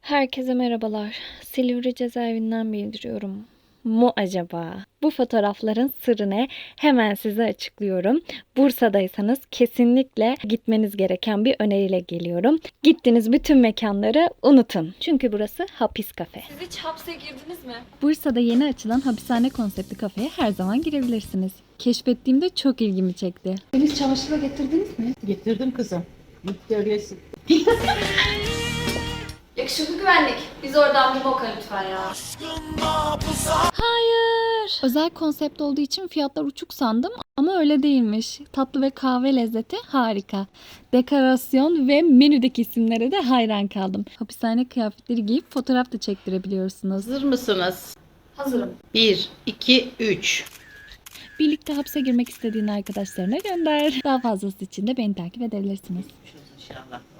Herkese merhabalar. Silivri cezaevinden bildiriyorum. Mu acaba? Bu fotoğrafların sırrı ne? Hemen size açıklıyorum. Bursa'daysanız kesinlikle gitmeniz gereken bir öneriyle geliyorum. Gittiğiniz bütün mekanları unutun. Çünkü burası hapis kafe. Siz hiç hapse girdiniz mi? Bursa'da yeni açılan hapishane konseptli kafeye her zaman girebilirsiniz. Keşfettiğimde çok ilgimi çekti. Temiz çamaşır da getirdiniz mi? Getirdim kızım. Git görüyorsun. Yakışıklı güvenlik. Biz oradan bir moka lütfen ya. Hayır. Özel konsept olduğu için fiyatlar uçuk sandım ama öyle değilmiş. Tatlı ve kahve lezzeti harika. Dekorasyon ve menüdeki isimlere de hayran kaldım. Hapishane kıyafetleri giyip fotoğraf da çektirebiliyorsunuz. Hazır mısınız? Hazırım. 1, 2, 3. Birlikte hapse girmek istediğin arkadaşlarına gönder. Daha fazlası için de beni takip edebilirsiniz. İnşallah.